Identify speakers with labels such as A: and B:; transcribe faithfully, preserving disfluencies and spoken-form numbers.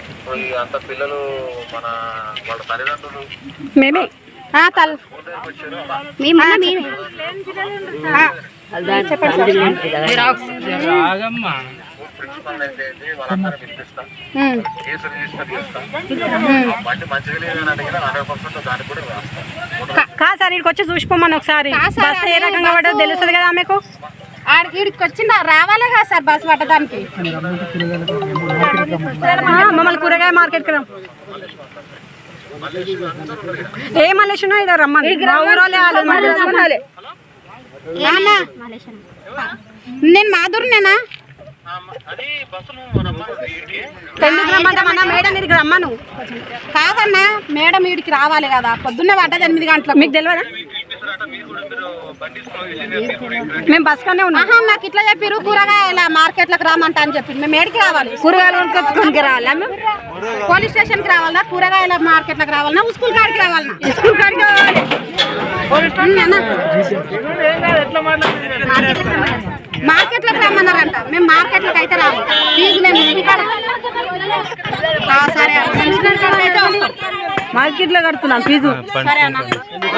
A: అంత పిల్లలు మన వాళ్ళ తల్లిదండ్రులు
B: మేమే
A: ప్రిన్సిపల్ అయితే వాళ్ళందరూ పిలిపిస్తాం కేసు రిజిస్టర్ చేస్తాం బండి మంచిగా లేదని అడిగినా హండ్రెడ్ పర్సెంట్ దానికి కూడా రాస్తాం.
B: కాదు సార్ ఇక్కడికి వచ్చి చూసిపోమని ఒకసారి బస్సు ఏ రకంగా పడ్డదో తెలుస్తుంది కదా ఆమెకు.
C: ఆడికి వచ్చిన రావాలే కదా సార్ బస్సు పట్టడానికి.
B: మమ్మల్ని కూరగాయ మార్కెట్కి రా ఏ మలేషనో ఇదో రమ్మని
C: నేను మాధురినేనా
B: ఎందుకు రమ్మంటామన్నా మేడం ఇక్కడికి రమ్మను.
C: కాదన్నా మేడం వీడికి రావాలి కదా పొద్దున్నే పడ్డది ఎనిమిది గంటలకు.
B: మీకు తెలియదా మేము బస్ కనే ఉన్నాం.
C: నాకు ఇట్లా చెప్పారు కూరగాయల మార్కెట్లకు రామంటా అని చెప్పింది. మేము ఏడికి రావాలి?
B: కూరగాయలు కొనుక్కొచ్చుకోనికి రావాలా?
C: పోలీస్ స్టేషన్కి రావాలన్నా కూరగాయల మార్కెట్లకు రావాలన్నా స్కూల్ కాడికి రావాలన్నా?
B: స్కూల్ కాడికి రావాలి.
C: మార్కెట్లకు రమ్మన్నారంట. మేము మార్కెట్లకు అయితే రాము. ఫీజు మేము సరే
B: మార్కెట్లో కడుతున్నాం ఫీజు.
C: సరే అన్న.